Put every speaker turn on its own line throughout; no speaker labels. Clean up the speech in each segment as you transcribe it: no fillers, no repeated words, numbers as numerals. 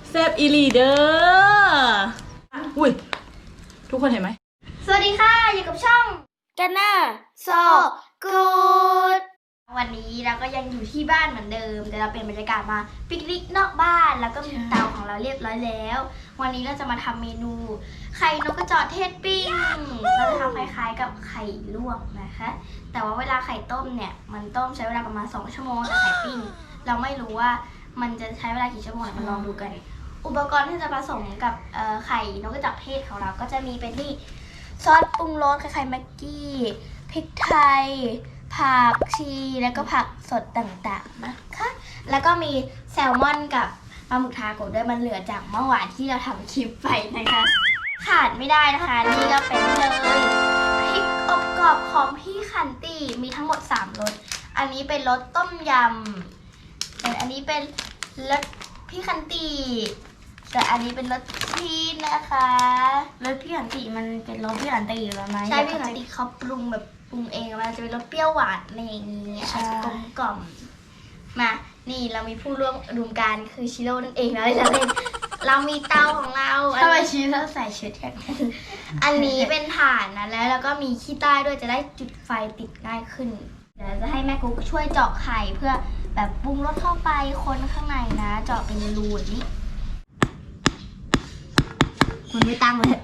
แซบอีลีเดอร์อุ้ยทุกคนเห็นไหม
สวัสดีค่ะอยู่กับช่องกันน่าโซกูดวันนี้เราก็ยังอยู่ที่บ้านเหมือนเดิมแต่เราเป็นบรรยากาศมาปิกนิกนอกบ้านแล้วก็มีเตาของเราเรียบร้อยแล้ววันนี้เราจะมาทำเมนูไข่นกกระจอกเทศปิ้งเราจะทำคล้ายๆกับไข่ลวกนะคะแต่ว่าเวลาไข่ต้มเนี่ยมันต้มใช้เวลาประมาณ2 ชั่วโมงแต่ไข่ปิ้งเราไม่รู้ว่ามันจะใช้เวลากี่ชั่วโมงมาลองดูกันอุปกรณ์ที่จะผสมกับไข่นกกระจอกเทศของเราก็จะมีเป็นที่ซอสปรุงรสคล้ายๆแม็กกี้พริกไทยผักชีแล้วก็ผักสดต่างๆนะคะแล้วก็มีแซลมอนกับปลาหมึกทาโกะด้วยมันเหลือจากเมื่อวานที่เราทำคลิปไปนะคะขาดไม่ได้นะคะนี่ก็เป็นเลยพริกอบกรอบของพี่ขันตีมีทั้งหมด3รสอันนี้เป็นรสต้มยำแต่อันนี้เป็นรสพี่ขันตีแต่อันนี้เป็นรสชีสนะคะรสพี่ขันติมันเป็นรสพี่ขันติอยู่แล้วไหมใช่พี่ขันติเขาปรุงแบบปรุงเองมันจะเป็นรสเปรี้ยวหวานอะไรอย่างนี้อาจจะกลมกล่อมมานี่เรามีผู้ร่วมอุดมการณ์คือชิโร่นั่นเองนะเรามีเตาของเราทำไมชิโร่ใส่ชุดอย่างนั้นอันนี้เป็นถ่านนะแล้วก็มีขี้ใต้ด้วยจะได้จุดไฟติดง่ายขึ้นเดี๋ยวจะให้แม่กุ๊กช่วยเจาะไข่เพื่อแบบปรุงรสเข้าไปคนข้างในนะเจาะเป็นรูนี้มันไม่ตั้งเลย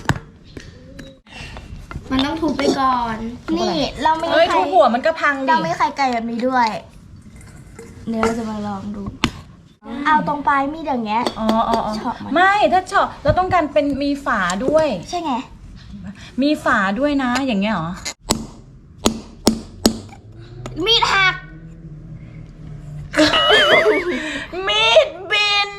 มันต้องถูไปก่อนนี่เราไม่ไข่
ทุบหัวมันก็พังดิ
เราไม่ไข่ไก่แบบนี้ด้วยเดี๋ยวเราจะมาลองดูเอาตรงปลายมีดอย่างเงี้ย
อ๋อไม่ถ้าเฉาะเราต้องการเป็นมีฝาด้วย
ใช่ไง
มีฝาด้วยนะอย่างเงี้ยเหรอ
มีดหัก
มีดบิน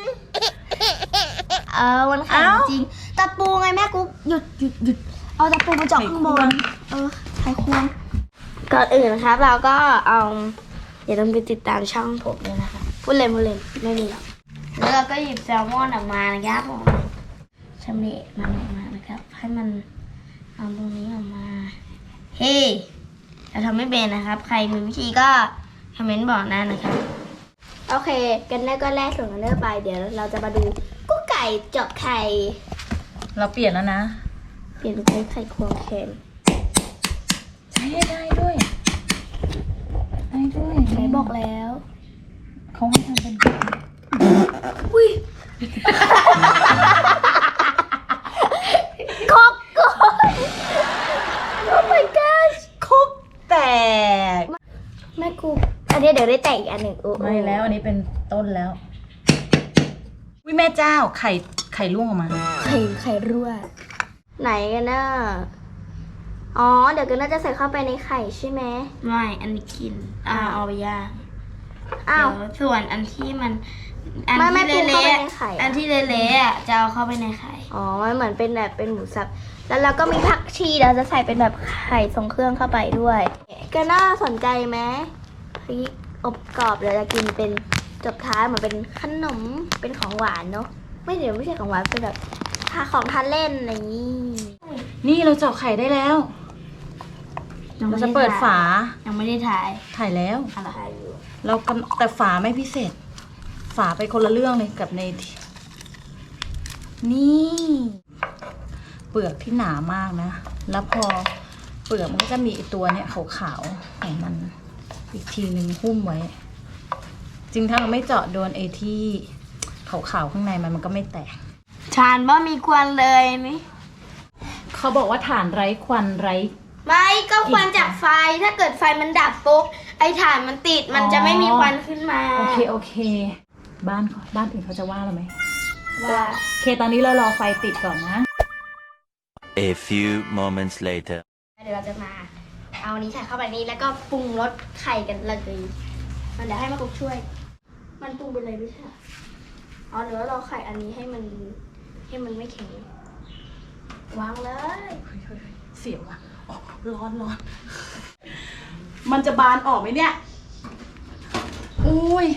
มันแข็งจริงตะปูไงแม่กุ๊กหยุดเอาตะปูมาเจาะข้างบนไขควงก่อนอื่นนะครับเราก็เอาอย่าลืมไปติดตามช่องผมด้วยนะคะพูดเล่นไม่มีหรอกแล้วเราก็หยิบแซลมอนออกมานะครับผมชำเละมันออกมานะครับให้มันเอาตรงนี้ออกมาเฮ้เราทำไม่เป็นนะครับใครมีวิธีก็คอมเมนต์บอกนะนะครับโอเคกันได้ก็แรกส่งกันเริ่มไปเดี๋ยวเราจะมาดูกุ๊กไก่เจาะไข่
เราเปลี่ยนแล้วนะ
เปลี่ยนเป็นไข่ควงแคน
ใช้ได้ด้วย
ใช้บอกแล้ว
เขาให้ทำเป็น
อุ้ยคกก่อนโอ้ my god
คุกแตก
แม่กูอันนี้เดี๋ยวได้แตกอีกอันหนึ่ง
ไม่แล้วอันนี้เป็นต้นแล้ววิแม่เจ้าไข่ร่วงออกมา
ไข่รั่วไหนกันน่ะอ๋อเดี๋ยวกันน่าจะใส่เข้าไปในไข่ใช่ไหมไม่อันนี้กินเอาไปย่างส่วนอันที่มันอันที่เละๆอันที่เละๆจะเอาเข้าไปในไข่อ๋อมันเหมือนเป็นแบบเป็นหมูสับแล้วเราก็มีผักชีเราจะใส่เป็นแบบไข่ทรงเครื่องเข้าไปด้วยกันน่าสนใจไหมพริกอบกรอบเดี๋ยวจะกินเป็นจบท้ายเหมือนเป็นขนมเป็นของหวานเนาะไม่ใช่ของหวานเป็นแบบของทานเล่นอะไรอย่างนี้
นี่เราเจาะไข่ได้แล้วเราจะเปิดฝา
ยังไม่ได้ถ่าย
แล้ว
ถ่ายอยู่
เราแต่ฝาไม่พิเศษฝาไปคนละเรื่องเลยกับในนี่เปลือกที่หนามากนะแล้วพอเปลือกมันก็จะมีตัวเนี่ยขาวๆของมันอีกทีนึงหุ้มไว้จึงถ้าเราไม่เจาะโดนไอ้ที่ขาวๆข้างในมันก็ไม่แตก
ฐานว่ามีควันเลยนี่
เขาบอกว่าฐานไร้ควันไร้
ไม่ก็ควันจากไฟถ้าเกิดไฟมันดับปุ๊บไอ้ฐานมันติดมันจะไม่มีควันขึ้นมา
โอเคบ้านอื่นเขาจะว่าเราไหม
ว่า
ตอนนี้เรารอไฟติดก่อนนะ
A few moments later
เดี๋ยวเราจะมาเอานี้ใส่เข้าไปนี้แล้วก็ปรุงรสไข่กันเลยมันเดี๋ยวให้มากุ๊กช่วยมันปรุงไปเลยไม่ใช่เดี๋ยวเราไข่อันนี้ให้มันไม่แข็งวางเลย
เสียวอ่ะร้อนมันจะบานออกไหมเนี่ยอุ้ย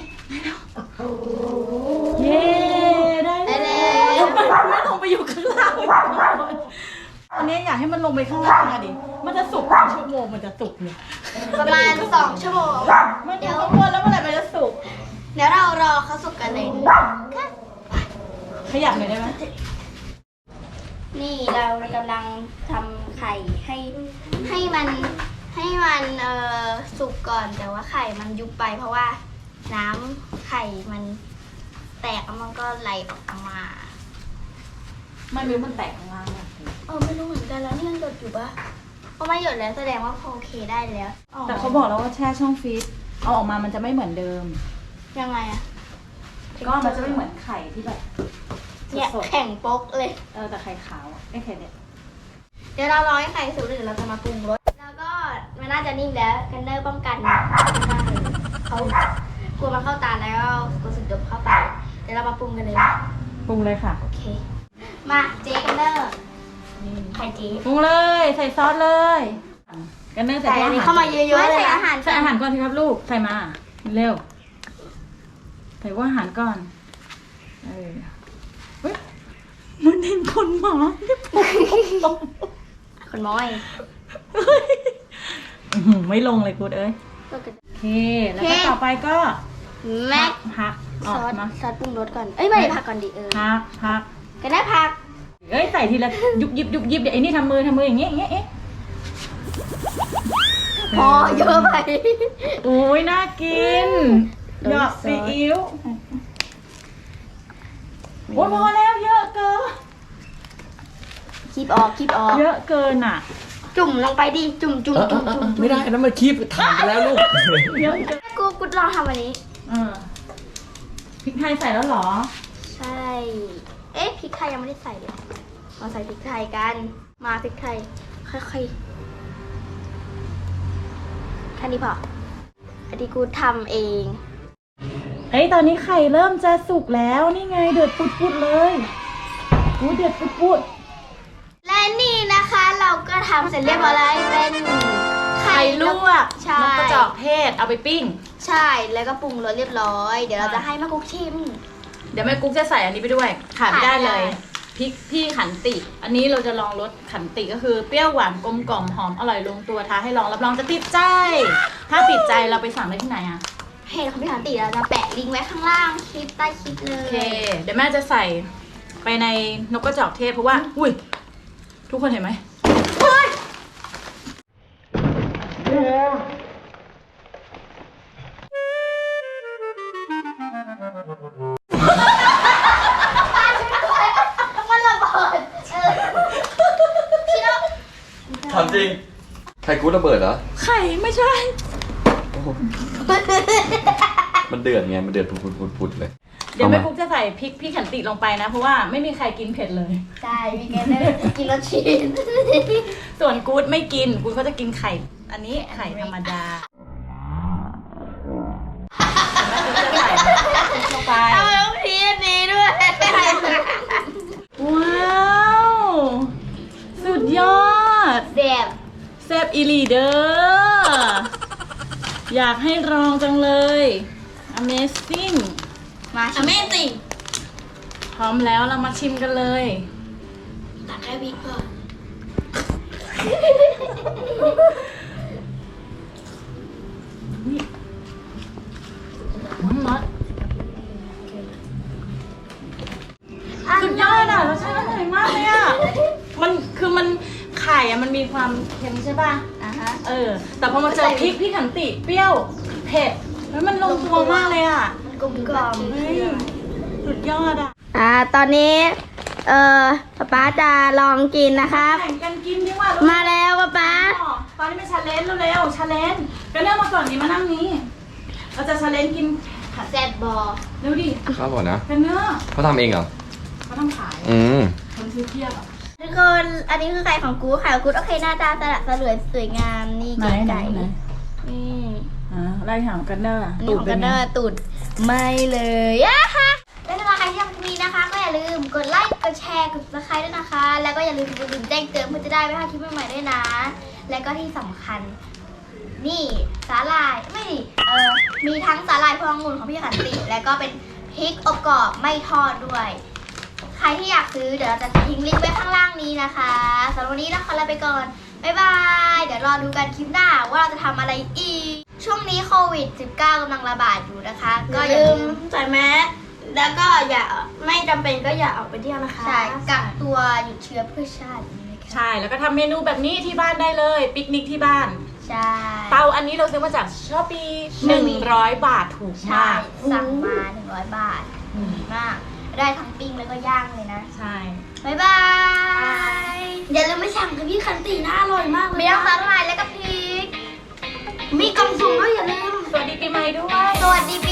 เย้ได้แล้วไม่ลงไปอยู่ข้างล่างอันนี้อยากให้มันลงไปข้างล่างดิมันจะสุกกี่ชั่วโมงมันจะสุกเนี่ย
ประมาณ2 ชั่วโมง
มันจะข้างบนแล้วเมื่อไหร่มันจะสุก
เดี๋ยวเรารอเขาสุกกันเลย
ขยับหน่อยได้ไหม
นี่เรากำลังทำไข่ให้มันสุกก่อนแต่ว่าไข่มันยุบไปเพราะว่าน้ำไข่มันแตกแล้วมันก็ไหลออกมา
ไม่รู้มันแตกข้างล่างอะ
ไม่รู้เหมือนกันแล้วนี่ยังหยดอยู่ปะเพราะไม่หยดแล้วแสดงว่าพอโอเคได้แล้ว
แต่เขาบอกแล้วว่าแช่ช่องฟรีซเอาออกมามันจะไม่เหมือนเดิม
ยังไงอะ
ก็มันจะไม่เหมือนไข่ที่แบบ
เนี่ย
สด
แข็งโป๊กเลย
ๆแต่ไข่ขาวอะไข่เนี่ย
เดี๋ยวเรารอให้ไข่สุกเดี๋ยวเราจะมาปรุงรสแล้วก็มันน่าจะนิ่มแล้วกันเนอร์ป้องกันเขากลัวมันเข้าตาแล้วก็กลัวสึกดมเข้าไปเดี๋ยวเรามาปรุงกันเลย
ปรุงเลยค่ะ
โอเคมาเจ๊กันเนอร์ไข่เจ๊
ปรุงเลยใส่ซอสเลยกันเนอร์ใส่
ใส่
ตัว
อั
อาน
นี้
หาร
เข้ามาเยอะๆใส่อาหาร
ใส่อาหารก่อนสิครับลูกใส่มาเร็วใส่ว่าอาหารก่อนเฮ้ยมันเห็นคนหมาที่ผม
คนม้อย
ไม่ลงเลยกูดเอ้ยโอเคแล้วก็ต่อไปก็
แม็ก
พักอ
ซ
อก
อส
มา
ปรุงรสก่อนเอ้ยไม่ผักก่อนดิ
พัก
กันได้ผัก
เอ้ยใส่ทีละยุบยิบเดี๋ยวไอ้นี่ทำมืออย่างเงี้ยเอ๊ะ
พอเยอะไป
โอ้ยน่ากินหยอกซีอิ๊วโอ้ยพอแล้วเยอะเกิน
คีบออก
เยอะเกินอ่ะ
จุ่มลงไปดิจุ่ม
ไม่ได้นะมันคีบถ่านไปแล้วลูก
เยอะเกิน
กูลองทำอันนี้
พริกไทยใส่แล้วเหรอ
ใช่ เอ๊ะพริกไทยยังไม่ได้ใส่เลยมาใส่พริกไทยกันมาพริกไทยค่อยๆแค่นี้พออันนี้กูทำเอง
เฮ้ยตอนนี้ไข่เริ่มจะสุกแล้วนี่ไงเดือดปุดๆเลยกูเดือดปุด
และนี่นะคะเราก็ทำเสร็จเรียบร้อยแล้วเป็นไข่ลวกใช่
นกกระจอกเทศเอาไปปิ้ง
ใช่แล้วก็ปรุงรสเรียบร้อยเดี๋ยวเราจะให้แม่กุ๊กชิม
เดี๋ยวแม่กุ๊กจะใส่อันนี้ไปด้วยขาดไม่ได้เลย
ขาดไม่ได้
พริกพี่ขันติ อันนี้เราจะลองรสขันติก็คือเปรี้ยวหวานกลมกล่อมหอมอร่อยลงตัวท้าให้ลองรับรองจะติดใจ ถ้าติดใจเราไปสั่งได้ที่ไหนอะ
เพจของพี่ขันติเราจะแปะลิงก์ไว้ข้างล่างคลิปใต้คลิปเล
โอย เค เดี๋ยวแม่จะใส่ไปในนกกระจอกเทศเพราะว่าอุ้ยทุกคนเห็นไหม
มันระเบิดพี่น้อง
ถามจริงไข่กูดระเบิดเหรอ
ไข่ไม่ใช่
โอ้โหมันเดือดไง มันเดือดปุดๆเลย
เดี๋ยวแม่กุ๊กจะใส่พริกพี่ขันติลงไปนะ เพราะว่าไม่มีใครกินเผ็ดเลย
ใช่พี่แกได้กินรสชีส
ส่วนกู๊ดไม่กินกู๊ดเขาจะกินไข่ อันนี้ไข่ธรรมดาแม่กุ๊กจะใส่พริกลงไป
เอาแล้วพีอันนี้ด้วย
ว้าว สุดยอด
เด็บ
แซ่บอีหลีเดอร์อยากให้ลองจังเลย Amazing
มาชิม Amazing
พร้อมแล้วเรามาชิมกันเลย
ตักแค่พริกพอ
น็อตสุดยอดอ่ะรสชาติอร่อยมากเลยอ่ะ มันไข่อ่ะมันมีความเค็มใช่ป่ะ
ฮะ
แต่พอมาเจอพริกพี่ขันติเปรี้ยวเผ็ดแล้วมันลงตัวมากเลยอ่ะ
มันกลมกล่อม
เฮ้ยสุดยอดอ่ะ
ตอนนี้ป๊าจะลองกินนะครับ
แข่งกันกินดีกว่า
มาแล้วป๊า
ตอนนี้เป็นชาเลนจ์เร็วๆชาเลนจ์ก็เริ่มมาก่อนนี้มานั่งนี้ เราจะชาเลนจ์กินผัด
แซ่บบอ
เร็วดิ
ข้าวก่อนนะ
กันเนื้อ
เขาทำเองเหรอ
เขาทำขาย คนซื้อเทียบอ่ะ
ทุกคนอันนี้คือไข่ของกูไข่ของกูโอเคหน้าตาสละสลวยสวยงามนี่เก๋ไก่นี่
ไล่ถามกันเนอร์
อันนี้ของกันเนอร์ตูดไม่เลยอะค่ะและสำหรับใครที่ชอบคลิปนี้นะคะ ก็อย่าลืมกดไลค์กดแชร์กด subscribe ด้วยนะคะ แล้วก็อย่าลืมกดกระดิ่งแจ้งเตือนเพื่อจะได้ไม่พลาดคลิปใหม่ๆด้วยนะ และก็ที่สำคัญ นี่สาหร่ายไม่ดิมีทั้งสาหร่ายพวงองุ่นของพี่ขันติ แล้วก็เป็นพริกอบกรอบไม่ทอดด้วย ใครที่อยากซื้อเดี๋ยวเราจะทิ้งลิงก์ไว้ข้างล่างนี้นะคะสำหรับวันนี้เราขอลาไปก่อนบ๊ายบายเดี๋ยวรอดูกันคลิปหน้าว่าเราจะทำอะไรอีกช่วงนี้โควิด -19 กำลังระบาดอยู่นะคะ ก็อย่าลืมใส่แมสแล้วก็อย่าไม่จำเป็นก็อย่าออกไปเที่ยวนะคะใช่กักตัวหยุดเชื้อเพื่อชาตินะคะ
ใช่แล้วก็ทำเมนูแบบนี้ที่บ้านได้เลยปิกนิกที่บ้าน
ใช่
เตาอันนี้เราซื้อมาจากช้อปปี้100 บาทถูก
ใช่
มาก
สั่งมา100 บาทดีมากได้ทั้งปิ้งแล้วก็ย่างเลยนะ
ใช่
บ๊ายบายอย่าลืมไปสั่งกับพี่คันตีน่าอร่อยมากเลยมีทั้งสาหร่ายและก็พริกมีกล่องสุ่มด้วยอย่าลืม
สวัสดีปีใหม่ด้วย
สวัสดีปี